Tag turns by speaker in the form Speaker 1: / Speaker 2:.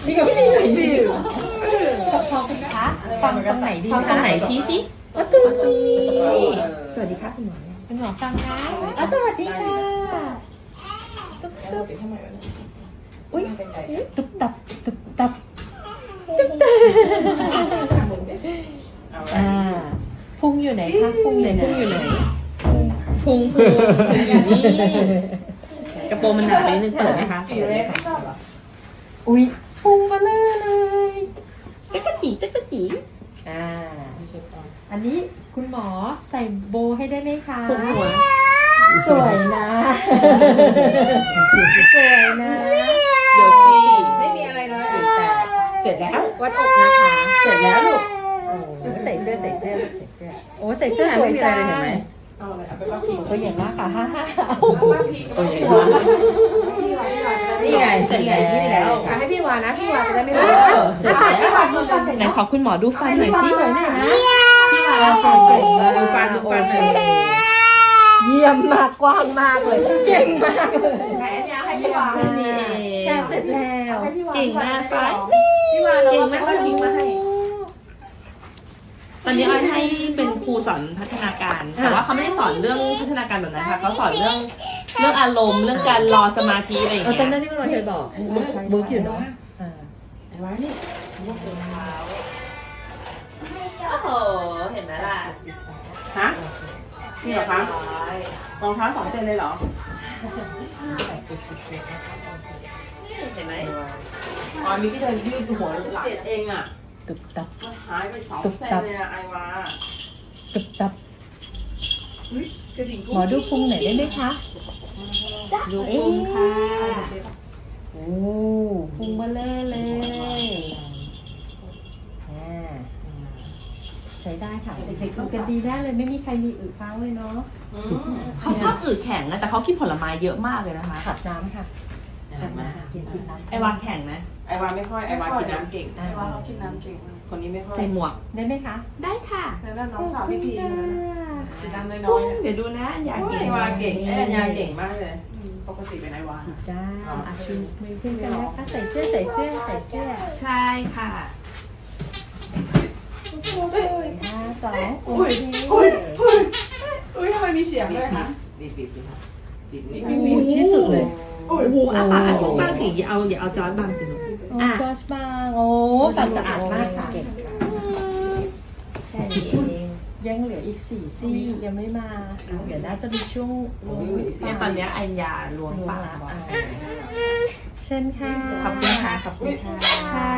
Speaker 1: จริงเหรอพี่ดี
Speaker 2: ฟังคะฟังตรงไหนดี
Speaker 1: ฟัง
Speaker 2: คะ
Speaker 1: ตรงไหนชี้สิ
Speaker 2: ตรงนี้
Speaker 1: สวัสดีค่ะคุณหมอ
Speaker 2: คุณหมอฟังนะสวัสดีค่ะอุ๊ยตุ๊บตับตุ๊บตับตุ๊บตับพุงอยู่ไหนคะพุงอยู่ไหน
Speaker 1: พุงอยู่นี่กระโปรงมันหนาไปนิดนึงเปิดไหมคะ
Speaker 2: อุ๊ยพุงมาเลย
Speaker 1: จ๊กกะจีจ๊กกะจี
Speaker 2: อันนี้คุณหมอใส่โบให้ได้ไหมคะ
Speaker 1: พุงหัว
Speaker 2: สวยนะสวยนะ
Speaker 1: เดี๋ยวสิ
Speaker 3: ไม่มีอะไรเลย
Speaker 1: แต่เสร็จแล้ว
Speaker 2: วัดอกนะคะ
Speaker 1: เสร็จแล้วลูก
Speaker 2: โอ้ใส่เสื้อโอ้ใส่เสื้อสวยจัง
Speaker 1: เห็นไหม
Speaker 3: เอาเลยเอาไปบ้านพี่
Speaker 2: ตัวใหญ่มากค่ะฮ่าฮ่า
Speaker 3: บ้านพี่
Speaker 1: ตัวใหญ่มากนี่ไงเสร็จแล้ว
Speaker 3: ให้พี่วานะพี่วาจะได้ไม่ร้อน
Speaker 1: เสร็จแล้วไหนขอคุณหมอดูฟันหน่อยสิ
Speaker 2: สวยหน่อยนะ
Speaker 1: พี่วาฟันเก่งมากดูฟันหน่อย
Speaker 2: เยี่ยมมากกว้างมากเลยเก่งมากเลย
Speaker 3: ไหนอันนี้ให้พี่วา
Speaker 1: นี่เอง
Speaker 2: แค่เสร็จแล้ว
Speaker 1: เก่งมากฟ้า
Speaker 3: พี่วาเราไม่ต้องทิ้งมาให้
Speaker 1: ตอนนี้อ้อยให้เป็นครูสอนพัฒนาการ แต่ว่าเขาไม่ได้สอนเรื่องพัฒนาการแบบนั้นค่ะเขาสอนเรื่องอารมณ์เรื่องการรอสมาธิอะไรอย่าง
Speaker 2: ตอน
Speaker 1: เงี้
Speaker 2: นั้น
Speaker 1: ย
Speaker 2: ที่คุณหมอเคยบอกบุ๊กอยู่เนาะ
Speaker 3: ไอ้วานี่
Speaker 1: โอ้โหเห็นไหมล่ะ
Speaker 3: ฮะนี่เหรอคะรองเท้า2 เซนเลยเหรอ
Speaker 1: เห็นไหม
Speaker 3: อ๋อมีที่เธอยืดหัวหลัง7 เองอ่ะ
Speaker 2: ตุบตับ
Speaker 3: หายไป2 เซนเลยนะไอ้วา
Speaker 2: ตุบตับ
Speaker 3: กระดิ่ง
Speaker 2: หมอดูพุงหน่อยได้ไหมคะดูพุงค่ะโอ้พุงมาเลยใช้ได้ค่ะเด็กๆทำกันดีได้เลยไม่มีใครมีอึค้างเลยเนาะ
Speaker 1: เขาชอบอืดแข็งนะแต่เขากินผลไม้เยอะมากเลยนะคะ
Speaker 2: ขับน้ำค่ะขับน้ำกินน้ำ
Speaker 1: ไอวาแข็งไหม
Speaker 3: ไอ้วาไม่ค่อยไอ้วากินน้ำเก่ง
Speaker 2: ไอ้วาเขากินน้
Speaker 3: เก่งคนนี้ไม่ค่อย
Speaker 1: ใส่หมวก
Speaker 2: ได้ไหมคะ
Speaker 1: ได้ค่ะ
Speaker 3: แล้วน้องสาวพี่ทีกินน้ำน้อยๆ
Speaker 1: เดี๋ยวดูนะอยาก
Speaker 3: ไอ้วาเก่งไอ้อัญญาเก่งมากเลยปกติเป็นไอ้วา
Speaker 2: สีด้าชูสมือขึ้นกันนะคะใส่เสื้อ
Speaker 1: ใช่ค่ะ
Speaker 2: 5 2โอเค
Speaker 3: อุ้ยทำไมมีเสียงด้วยคะบีบ
Speaker 2: ที่สุดเลย
Speaker 1: โอ้โหอาปากอันบ้างสิอย่าเอาจอร์ดบางสิลูก
Speaker 2: จอร์จบางโอ้ฝันสะอาดมากค่ะเก่งแค่นี้เองยังเหลืออีก4 ซี่ยังไม่มาเดี๋ยวน่าจะมีช่วง
Speaker 1: เนี่ยตอนนี้อัญญาล้วงปาก
Speaker 2: เช่นค่ะ
Speaker 1: ขอบคุณค่ะขอบคุณค่ะ
Speaker 2: ค่ะ